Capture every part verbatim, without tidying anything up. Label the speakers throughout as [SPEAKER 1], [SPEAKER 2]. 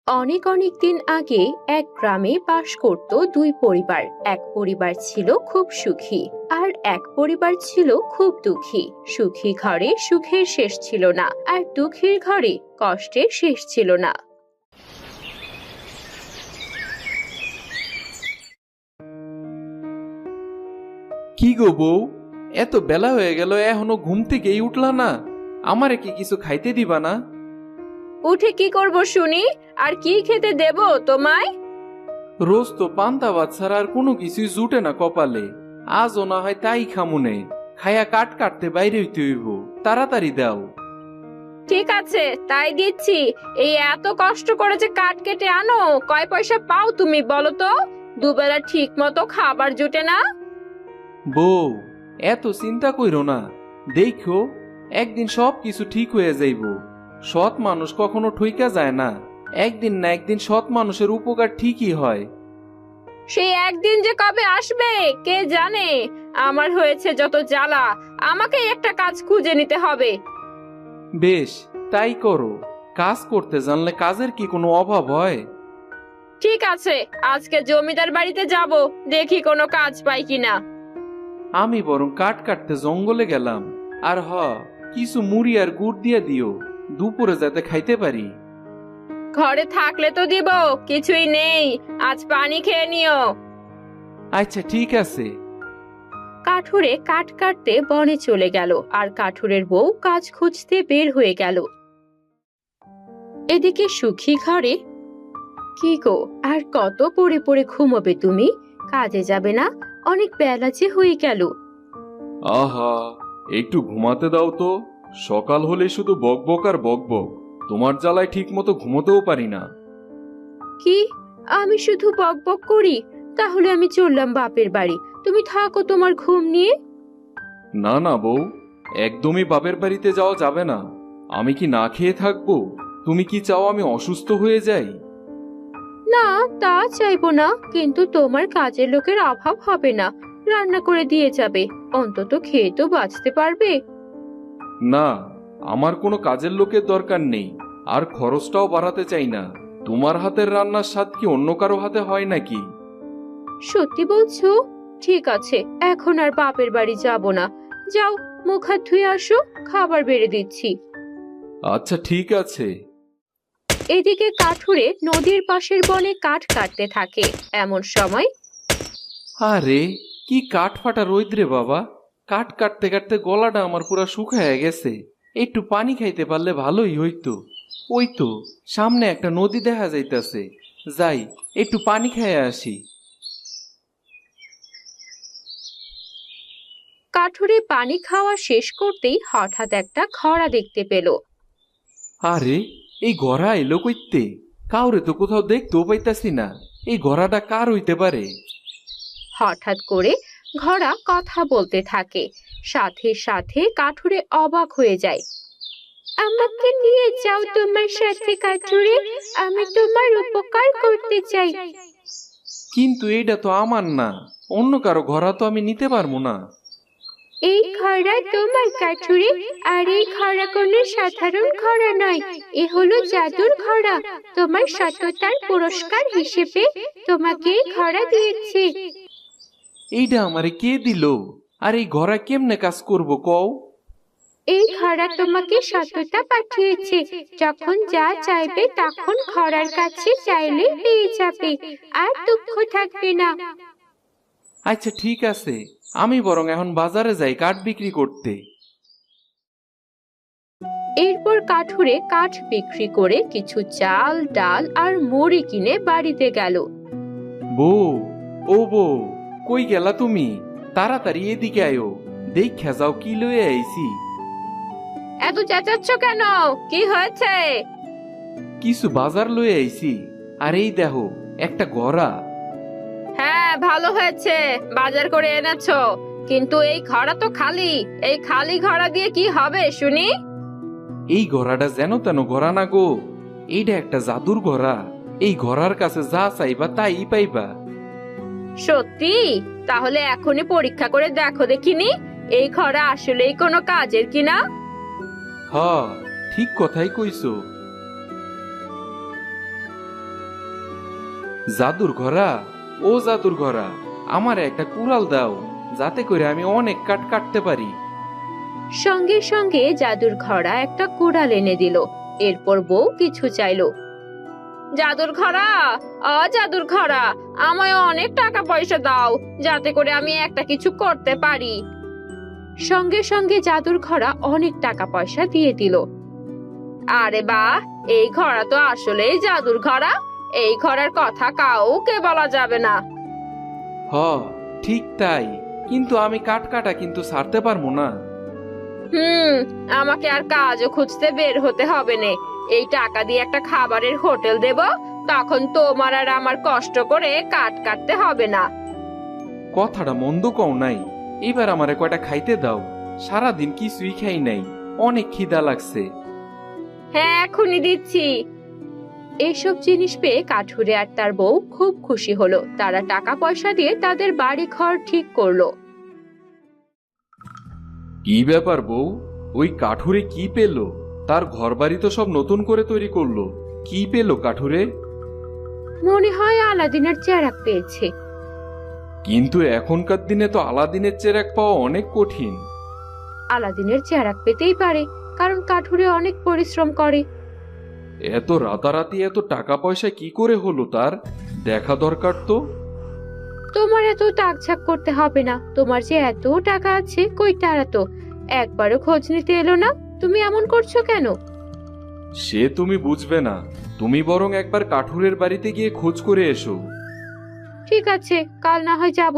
[SPEAKER 1] অনেক অনেক দিন আগে এক গ্রামে বাস করত দুই পরিবার। এক পরিবার ছিল খুব সুখী, আর এক পরিবার ছিল খুব দুঃখী। সুখী ঘরে সুখের শেষ ছিল না, আর দুঃখীর ঘরে কষ্টের শেষ ছিল না।
[SPEAKER 2] কি গো বউ, এত বেলা হয়ে গেল এখনো ঘুম থেকেই উঠলা না? আমারে কি কিছু খাইতে দিবা না?
[SPEAKER 1] উঠে কি করব শুনি? আর কি খেতে দেব তোমায়?
[SPEAKER 2] রোজ তো পান্তা ভাত ছাড়া আর কোনো কিছুই জুটে না কপালে। আজও না হয় তাই খামুনে। খায়া কাট কাটতে বাইরে হইতে হইব, তাড়াতাড়ি দাও।
[SPEAKER 1] ঠিক আছে, তাই দিচ্ছি। এই এত কষ্ট করে যে কাঠ কেটে আনো, কয় পয়সা পাও তুমি বলো তো? দুবেলা ঠিক মতো খাবার জুটে না।
[SPEAKER 2] বউ, এত চিন্তা কইরো না। দেখো, একদিন সব কিছু ঠিক হয়ে যাইব। সৎ মানুষ কখনো ঠইকা যায় না। একদিন না একদিন সৎ মানুষের উপকার ঠিকই হয়।
[SPEAKER 1] সেই একদিন যে কবে আসবে কে জানে। আমার হয়েছে যত জ্বালা, আমাকে একটা কাজ খুঁজে নিতে হবে।
[SPEAKER 2] বেশ, তাই করো। কাজ করতে জানলে কাজের কি কোনো অভাব হয়?
[SPEAKER 1] ঠিক আছে, আজকে জমিদার বাড়িতে যাব, দেখি কোনো কাজ পাই কিনা।
[SPEAKER 2] আমি বরং কাঠ কাটতে জঙ্গলে গেলাম। আর হ, কিছু মুড়ি আর গুড় দিয়ে দিও, দুপুরে যাতে খাইতে পারি।
[SPEAKER 1] ঘরে থাকলে তো দিব, কিছুই নেই। আজ পানি খেয়ে নিও।
[SPEAKER 2] আচ্ছা ঠিক আছে।
[SPEAKER 1] কাঠুরে কাঠ কাটতে বনে চলে গেল, আর কাঠুরের বউ কাজ খুঁজতে বের হয়ে গেল। এদিকে সুখী ঘরে, কি গো, আর কত পড়ে পড়ে ঘুমোবে তুমি? কাজে যাবে না? অনেক বেলা যে হয়ে গেল।
[SPEAKER 3] আহা, একটু ঘুমাতে দাও তো। সকাল হলে শুধু বকবক আর বকবক। তোমার জ্বালায় ঠিক মতো ঘুমোতেও পারি না।
[SPEAKER 1] কি, আমি শুধু বকবক করি? তাহলে আমি চললাম বাপের বাড়ি, তুমি থাকো তোমার ঘুম নিয়ে।
[SPEAKER 3] না না বউ, একদমই বাপের বাড়িতে যাওয়া যাবে না। আমি কি না খেয়ে থাকবো? তুমি কি চাও আমি অসুস্থ হয়ে যাই?
[SPEAKER 1] না, তা চাইবো না, কিন্তু তোমার কাজের লোকের অভাব হবে না, রান্না করে দিয়ে যাবে। অন্তত খেয়ে তো বাঁচতে পারবে।
[SPEAKER 3] না, আমার কোনো কাজের লোকের দরকার নেই। আর খরচটাও বাড়াতে চাই না। তোমার হাতের রান্নার স্বাদ কি অন্য কারো হাতে হয় নাকি?
[SPEAKER 1] সত্যি বলছো? ঠিক আছে, এখন আর বাপের বাড়ি যাব না। যাও, মুখ হাত ধুয়ে আসো, খাবার বেড়ে দিচ্ছি।
[SPEAKER 3] আচ্ছা ঠিক আছে।
[SPEAKER 1] এদিকে কাঠুরে নদীর পাশের বনে কাঠ কাটতে থাকে। এমন সময়
[SPEAKER 2] আরে, কি কাঠ ফাটা রোদ রে বাবা! কাঠ কাটতে কাটতে গলাটা আমার পুরা শুকায় গেছে। একটু পানি খাইতে পারলে ভালোই হইতো। ওই তো সামনে একটা নদী দেখা যাইতাছে, যাই একটু পানি খাইয়া আসি।
[SPEAKER 1] কাঠুরে পানি খাওয়া শেষ করতেই হঠাৎ একটা খরা দেখতে পেল।
[SPEAKER 2] আরে, এই ঘোড়া এলো কইতে? কাউরে তো কোথাও দেখতেও পাইতাছি না। এই ঘোড়াটা কার হইতে পারে?
[SPEAKER 1] হঠাৎ করে ঘোড়া কথা বলতে থাকে। সাথে সাথে কাঠুরে অবাক হয়ে যায়। আমাকে নিয়ে যাও তোমার সাথে কাঠুরে, আমি তোমার উপকার করতে চাই।
[SPEAKER 2] কিন্তু এইটা তো আমার না, অন্য কারো ঘোড়া তো আমি নিতে পারবো না।
[SPEAKER 1] এই খরা তোমার কাঠুরে, আর এই খরা কোনো সাধারণ খরা নয়। এ হলো জাদুর খরা। তোমার সততার পুরস্কার হিসেবে তোমাকে এই খরা দিয়েছি।
[SPEAKER 2] এইটা আমারে কে দিল? আর এই ঘোড়া কেমনে কাজ করব কও?
[SPEAKER 1] এই খরা তোমাকে সততা পাঠিয়েছে। যখন যা চাইবে তখন খরার কাছে চাইলে পেয়ে যাবে, আর দুঃখ থাকবে না।
[SPEAKER 2] আচ্ছা ঠিক আছে, আমি বরং এখন বাজারে যাই কাঠ বিক্রি করতে।
[SPEAKER 1] এরপর কাঠুরে কাঠ বিক্রি করে কিছু চাল, ডাল আর মুড়ি কিনে বাড়িতে গেল।
[SPEAKER 2] বউ, ও বউ, কই গেলা তুমি? তাড়াতাড়ি এদিকে আয়ো, দেখা যাও কি লয়ে আইছি।
[SPEAKER 1] এত চেঁচাচ্ছ কেন? কি হয়েছে?
[SPEAKER 2] কিছু বাজার লয়ে আইছি। আর এই দেখো, একটা ঘোড়া।
[SPEAKER 1] হ্যাঁ, ভালো হয়েছে, বাজার করে এনেছো। কিন্তু এই ঘোড়া তো খালি। এই খালি ঘোড়া দিয়ে কি হবে শুনি?
[SPEAKER 2] এই ঘোড়াটা যেন তেন ঘোড়া না গো, এইটা একটা জাদুর ঘোড়া। এই ঘোড়ার কাছে যা চাইবা তাই পাইবা।
[SPEAKER 1] সত্যি? তাহলে এখনই পরীক্ষা করে দেখো দেখিনি, এই ঘোড়া আসলেই কোনো কাজের কিনা।
[SPEAKER 2] হ, ঠিক কথাই কইছো। জাদুর ঘোড়া, ও জাদুর ঘোড়া, আমার একটা কুড়াল দাও, যাতে করে আমি অনেক কাঠ কাটতে পারি।
[SPEAKER 1] সঙ্গে সঙ্গে জাদুর ঘোড়া একটা কুড়াল এনে দিল। এরপর বউ কিছু চাইলো। জাদুর ঘোড়া, অ জাদুর ঘোড়া, আমায় অনেক টাকা পয়সা দাও, যাতে করে আমি একটা কিছু করতে পারি। সঙ্গে সঙ্গে জাদুর ঘোড়া অনেক টাকা পয়সা দিয়ে দিল। আরে বাহ, এই ঘোড়া তো আসলেই জাদুর ঘোড়া। এই ঘোড়ার কথা কাউকে বলা যাবে না।
[SPEAKER 2] হ, ঠিক তাই, কিন্তু আমি কাঠ কাটা কিন্তু ছাড়তে পারবো না।
[SPEAKER 1] হুম, আমাকে আর কাজও খুঁজতে বের হতে হবে না। এই টাকা দিয়ে একটা খাবারের হোটেল দেব, তখন তোমার আর আমার কষ্ট করে কাঠ কাটতে হবে না।
[SPEAKER 2] কথাটা মন্দ কও নাই, এবার আমারে কয়টা খাইতে দাও, সারাদিন কিছুই খাই নাই, অনেক খিদা লাগছে।
[SPEAKER 1] হ্যাঁ, এখনই দিচ্ছি। এইসব জিনিস পেয়ে কাঠুরে আর তার বউ খুব খুশি হলো। তারা টাকা পয়সা দিয়ে তাদের বাড়ি ঘর ঠিক করলো।
[SPEAKER 3] কি ব্যাপার বউ, ওই কাঠুরে কি পেল? তার ঘরবাড়ি তো সব নতুন করে তৈরি করলো, কি পেল কাঠুরে?
[SPEAKER 1] মনে হয় আলাদিনের চেরাগ পেয়েছে।
[SPEAKER 3] কিন্তু এখনকার দিনে তো আলাদিনের চেরাগ পাওয়া অনেক কঠিন।
[SPEAKER 1] আলাদিনের চেরাগ পেতেই পারে, কারণ কাঠুরে অনেক পরিশ্রম করে।
[SPEAKER 3] এত রাতারাতি এত টাকা পয়সা কি করে হলো তার? দেখা দরকার তো।
[SPEAKER 1] তোমার এত টাকঝাক করতে হবে না। তোমার যে এত টাকা আছে, কই তারা তো একবারও খোঁজ নিতে এলো না। তুমি এমন করছো কেন?
[SPEAKER 3] সে তুমি বুঝবে না, তুমি বরং একবার কাঠুরের বাড়িতে গিয়ে খোঁজ করে এসো।
[SPEAKER 1] ঠিক আছে, কাল না হয় যাব।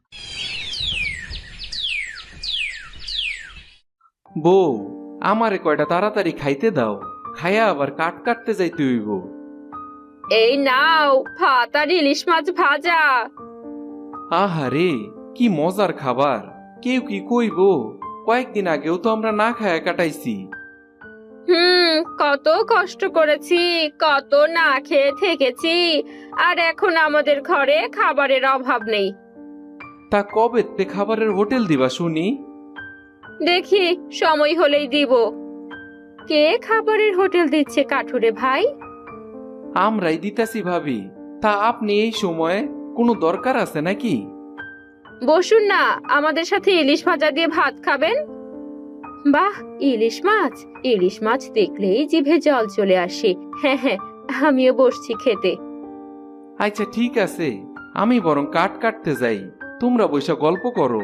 [SPEAKER 2] বউ, আমারে কয়টা তাড়াতাড়ি খাইতে দাও, খায়া আবার কাঠ কাটতে যাইতে হইব।
[SPEAKER 1] এই নাও ভাত আর ইলিশ মাছ ভাজা।
[SPEAKER 2] আহারে, কি মজার খাবার! কেউ কি কইব? কয়েকদিন আগেও তো আমরা না খায়া কাটাইছি।
[SPEAKER 1] হুম, কত কষ্ট করেছি, কত না খেয়ে থেকেছি, আর এখন আমাদের ঘরে খাবারের অভাব নেই।
[SPEAKER 2] তা কবেতে খাবারের হোটেল দিবা শুনি?
[SPEAKER 1] দেখি, সময় হলেই দিব। কে খাবারের হোটেল দিচ্ছে কাঠুরে ভাই?
[SPEAKER 2] আমরাই দিতাছি ভাবি। তা আপনি এই সময়ে কোনো দরকার আছে নাকি?
[SPEAKER 1] বসুন না, আমাদের সাথে ইলিশ ভাজা দিয়ে ভাত খাবেন। বাহ, ইলিশ মাছ! ইলিশ মাছ দেখলেই জিভে জল চলে আসে। হ্যাঁ হ্যাঁ, আমিও বসছি খেতে।
[SPEAKER 2] আচ্ছা ঠিক আছে, আমি বরং কাঠ কাটতে যাই, তোমরা বৈশা গল্প করো।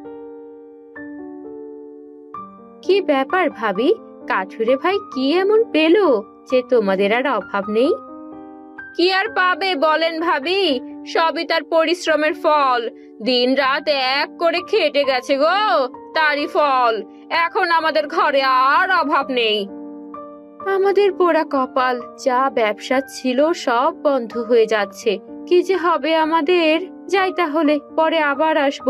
[SPEAKER 1] কি ব্যাপার ভাবি, কাঠুরে ভাই কি এমন পেলো যে তোমাদের আর অভাব নেই? কি আর পাবে বলেন ভাবি, সবই তার পরিশ্রমের ফল। দিন রাত এক করে খেটে গেছে গো, তারই ফল। এখন আমাদের ঘরে আর অভাব নেই। আমাদের পোড়া কপাল, যা ব্যবসা ছিল সব বন্ধ হয়ে যাচ্ছে। কি যে হবে আমাদের! যাই তাহলে, পরে আবার আসবো।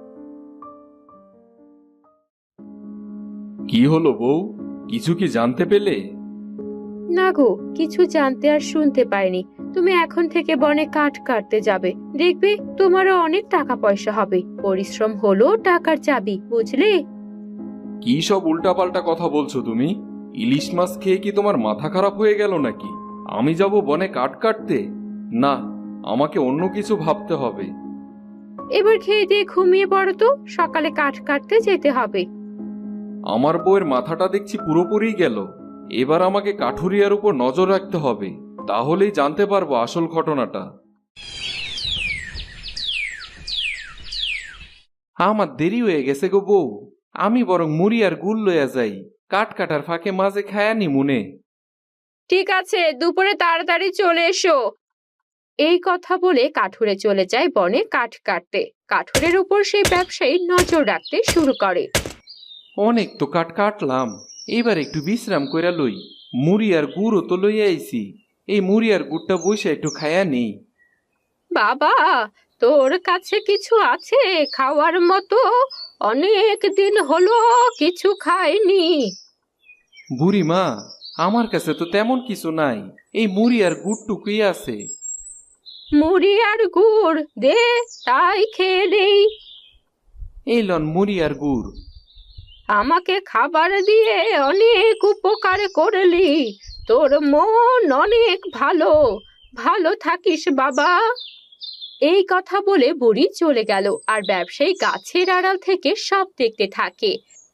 [SPEAKER 3] কি হলো বউ, কিছু কি জানতে পেলে?
[SPEAKER 1] না গো, কিছু জানতে আর শুনতে পাইনি। তুমি এখন থেকে বনে কাঠ কাটতে যাবে, দেখবে তোমারও অনেক টাকা পয়সা হবে। পরিশ্রম হলো টাকার চাবি, বুঝলে?
[SPEAKER 3] কি সব উল্টাপাল্টা কথা বলছো তুমি? ইলিশ মাছ খেয়ে কি তোমার মাথা খারাপ হয়ে গেল নাকি? আমি যাব বনে কাঠ কাটতে? না, আমাকে অন্য কিছু ভাবতে হবে।
[SPEAKER 1] এবার খেয়ে দিয়ে ঘুমিয়ে পড়ো তো, সকালে কাঠ কাটতে যেতে হবে।
[SPEAKER 3] আমার বউয়ের মাথাটা দেখছি পুরোপুরি গেল। এবার আমাকে কাঠুরিয়ার উপর নজর রাখতে হবে, তাহলেই জানতে পারবো আসল ঘটনাটা।
[SPEAKER 2] আমার দেরি হয়ে গেছে গো বউ, আমি বরং মুড়ি আর গুড় লইয়া যাই, কাঠ কাটার ফাঁকে মাঝে খায়ানি মনে।
[SPEAKER 1] ঠিক আছে, দুপুরে তাড়াতাড়ি চলে এসো। এই কথা বলে কাঠুরে চলে যায় বনে কাঠ কাটতে। কাঠুরের উপর সেই ব্যবসায়ী নজর রাখতে শুরু করে।
[SPEAKER 2] অনেক তো কাঠ কাটলাম, এবার একটু বিশ্রাম কইরা লই। মুড়ি আর গুড়ও তো লইয়া আইছি, এই মুড়ি আর গুড়টা বসে একটু খায়া নেই।
[SPEAKER 1] বাবা, তোর কাছে কিছু আছে খাওয়ার মতো? অনেক দিন হলো কিছু খাইনি।
[SPEAKER 2] বুড়ি মা, আমার কাছে তো তেমন কিছু নাই, এই মুড়ি আর গুড়টুকুই আছে।
[SPEAKER 1] মুড়ি আর গুড় দে, তাই খেয়ে নেই।
[SPEAKER 2] এই লন মুড়ি আর গুড়।
[SPEAKER 1] আমাকে খাবার দিয়ে অনেক উপকার করলি, তোর মন অনেক ভালো। ভালো থাকিস বাবা। এই কথা বলে বুড়ি চলে গেল আর ব্যবসায়ী গাছের আড়াল থেকে সব দেখতে থাকে।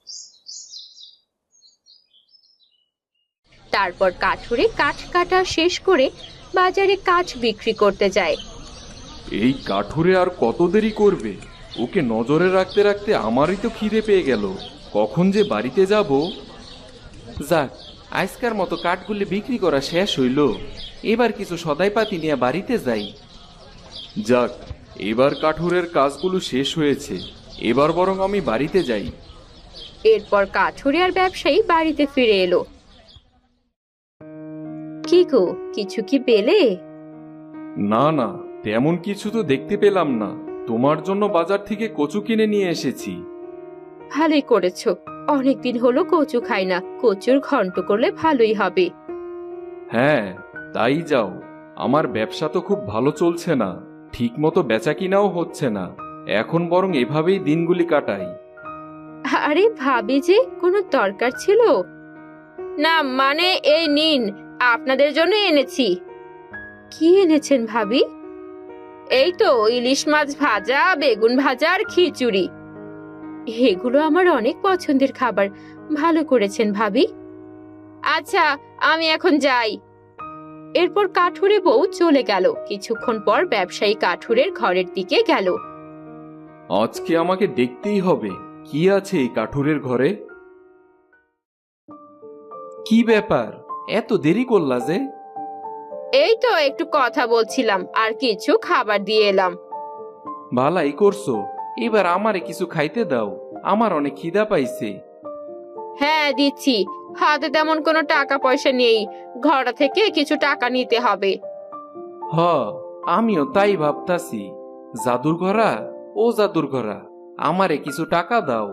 [SPEAKER 1] তারপর কাঠুরে কাঠ কাটা শেষ করে বাজারে কাঠ বিক্রি করতে যায়।
[SPEAKER 3] এই কাঠুরে আর কত দেরি করবে? ওকে নজরে রাখতে রাখতে আমারই তো খিদে পেয়ে গেল। কখন যে বাড়িতে যাব।
[SPEAKER 2] যাক, আজকার মতো কাঠগুলি বিক্রি করা শেষ হইল। এবার কিছু সদাইপাতি নিয়ে বাড়িতে যাই।
[SPEAKER 3] যাক, এবার কাঠুরের কাজগুলো শেষ হয়েছে। এবার বরং আমি বাড়িতে যাই।
[SPEAKER 1] এরপর কাঠুরে আর ব্যবসায়ী বাড়িতে ফিরে এলো। কি গো, কিছু কি পেলে?
[SPEAKER 3] না না, তেমন কিছু তো দেখতে পেলাম না। তোমার জন্য বাজার থেকে কচু কিনে নিয়ে এসেছি।
[SPEAKER 1] ভালোই করেছো, অনেকদিন হলো কচু খাই না। কচুর ঘন্ট করলে ভালোই হবে।
[SPEAKER 3] হ্যাঁ, তাই যাও। আমার ব্যবসা তো খুব ভালো চলছে না, ঠিক মতো বেচা কিনাও হচ্ছে না। এখন বরং এভাবেই দিনগুলি কাটাই।
[SPEAKER 1] আরে ভাবি যে, কোনো দরকার ছিল? না মানে এই নিন, আপনাদের জন্য এনেছি। কি এনেছেন ভাবি? এই তো ইলিশ মাছ ভাজা, বেগুন ভাজা আর খিচুড়ি। এগুলো আমার অনেক পছন্দের খাবার। ভালো করেছেন ভাবি। আচ্ছা, আমি এখন যাই। এরপর কাঠুরে বউ চলে গেল। কিছুক্ষণ পর ব্যবসায়ী কাঠুরের ঘরের দিকে গেল।
[SPEAKER 3] আজকে আমাকে দেখতেই হবে কি আছে এই কাঠুরের ঘরে।
[SPEAKER 2] কি ব্যাপার, এত দেরি করলা যে?
[SPEAKER 1] এই তো একটু কথা বলছিলাম আর কিছু খাবার দিয়ে এলাম।
[SPEAKER 2] ভালাই করছো। এবার আমারে কিছু খাইতে দাও, আমার অনেক খিদা পাইছে।
[SPEAKER 1] হ্যাঁ দিচ্ছি, হাতে তেমন কোনো টাকা পয়সা নেই। ঘর থেকে কিছু টাকা নিতে হবে।
[SPEAKER 2] হ, আমিও তাই ভাবতাছি। জাদুর ঘরা, ও জাদুর ঘরা, আমারে কিছু টাকা দাও।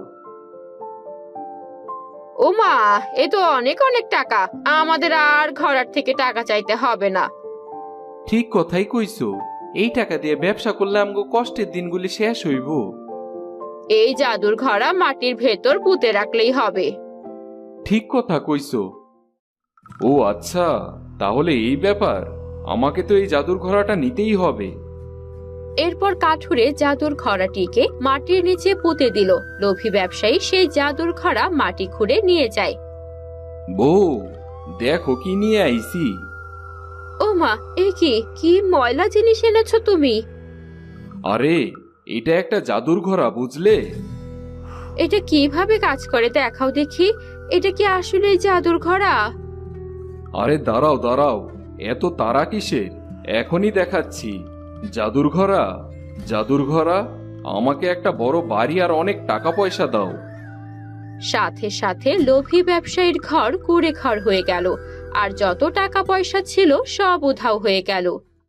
[SPEAKER 1] ও মা, এ তো অনেক অনেক টাকা। আমাদের আর ঘরের থেকে টাকা চাইতে হবে না।
[SPEAKER 2] ঠিক কথাই কইছো। এই টাকা দিয়ে ব্যবসা করলে আমগো কষ্টের দিনগুলি শেষ হইব।
[SPEAKER 1] এই জাদুর ঘড়া মাটির ভেতর পুঁতে রাখলেই হবে।
[SPEAKER 2] ঠিক কথা কইছো।
[SPEAKER 3] ও আচ্ছা, তাহলে এই ব্যাপার। আমাকে তো এই জাদুর ঘোড়াটা নিতেই হবে।
[SPEAKER 1] এরপর কাঠুরে জাদুর ঘড়াটিকে মাটির নিচে পুঁতে দিল। লোভী ব্যবসায়ী সেই জাদুর ঘড়া মাটি খুঁড়ে নিয়ে যায়।
[SPEAKER 3] বউ, দেখো কি নিয়ে আইছি।
[SPEAKER 1] ও মা, এ কি কি ময়লা জিনিস এনেছো তুমি?
[SPEAKER 3] আরে, এটা একটা জাদুর ঘোড়া, বুঝলে?
[SPEAKER 1] এটা কিভাবে কাজ করে দেখাও দেখি। এটা কি আসলে জাদুর ঘড়া?
[SPEAKER 3] আরে দাঁড়াও দাঁড়াও, এত তারা কিসের? এখনই দেখাচ্ছি। জাদুর ঘোড়া, জাদুর ঘোড়া, আমাকে একটা বড় বাড়ি আর অনেক টাকা পয়সা দাও।
[SPEAKER 1] সাথে সাথে লোভী ব্যবসায়ীর ঘর কুড়ে ঘর হয়ে গেল আর যত টাকা পয়সা ছিল সব উধাও হয়ে গেল।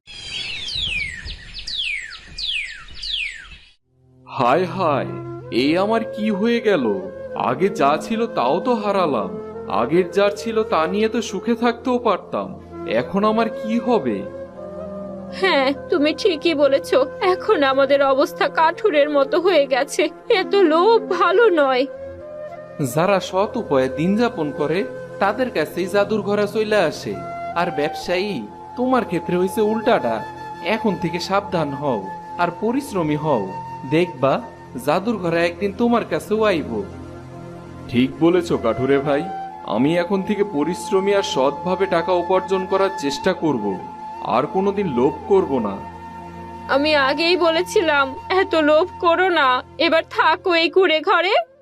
[SPEAKER 3] হায় হায়, এই আমার কি হয়ে গেল? আগে যা ছিল তাও তো হারালাম। আগের যা ছিল তা নিয়ে তো সুখে থাকতেও পারতাম। এখন আমার কি হবে?
[SPEAKER 1] হ্যাঁ, তুমি ঠিকই বলেছো। এখন আমাদের অবস্থা কাঠুরের মতো হয়ে গেছে। এত লোভ ভালো নয়।
[SPEAKER 2] যারা সৎ উপায়ে দিন যাপন করে তাদের কাছেই জাদুর ঘোড়া চলে আসে। আর ব্যবসায়ী, তোমার ক্ষেত্রে হয়েছে উল্টাটা। এখন থেকে সাবধান হও আর পরিশ্রমী হও। দেখবা জাদুর ঘোড়া একদিন তোমার কাছেও আইব।
[SPEAKER 3] ঠিক বলেছ কাঠুরে ভাই। আমি এখন থেকে পরিশ্রমী আর সৎভাবে টাকা উপার্জন করার চেষ্টা করব। আর কোনোদিন লোভ করব না।
[SPEAKER 1] আমি আগেই বলেছিলাম এত লোভ করো না। এবার থাকো এই কুড়ে ঘরে।